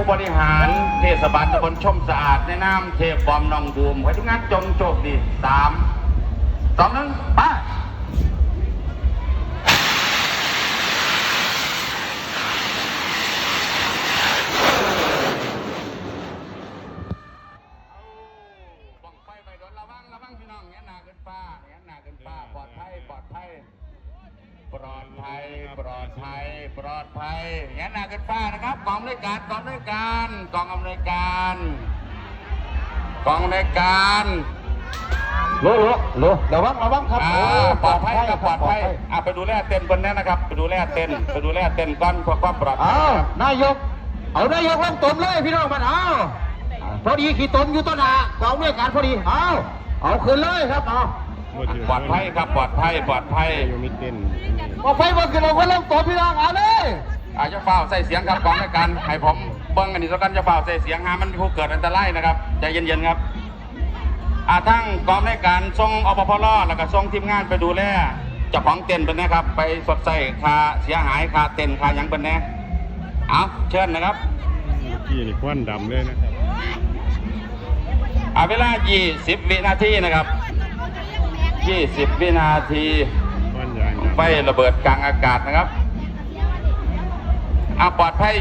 บริหารเทศบาลตำบลชมสะอาดในนามเทพบอมน้องบูมขอให้ทุกงานจงโชคดี3 2 1ไปบังไฟไปโดนระวังพี่น้องเงี้ยหนาเกินฟ้าปลอดภัยเงี้ยหนาเกินฟ้านะครับกองอำนวยการโลระวังครับปลอดภัยไปดูแลเต้นบนนั้นนะครับไปดูแลเต้นก่อนเพื่อความปลอดภัยนายกลงตนเลยพี่น้องมันพอดีขี่ตนอยู่ต้นหากองด้วยการพอดีเอาขึ้นเลยครับปลอดภัยครับปลอดภัยยังมีเต้นบอกไฟบนขึ้นลงก็ลงตนพี่น้องเลยจะเฝ้าใส่เสียงครับกองด้วยกันให้ผมเบิ้งอันนี้แล้วกันจะเฝ้าใส่เสียงมันผู้เกิดอันตรายนะครับใจเย็นๆครับทั้งกองด้วยการส่งอปพลแล้วก็ส่งทีมงานไปดูแลเจ้าของเต้นเป็นนะครับไปสดใสค่าเสียหายค่าเต้นค่ายังเป็นแน่เชิญนะครับกี่นี่ควันดำเลยนะครับเวลา20 วินาทีนะครับ20 วินาทีไฟระเบิดกลางอากาศนะครับปลอดภัย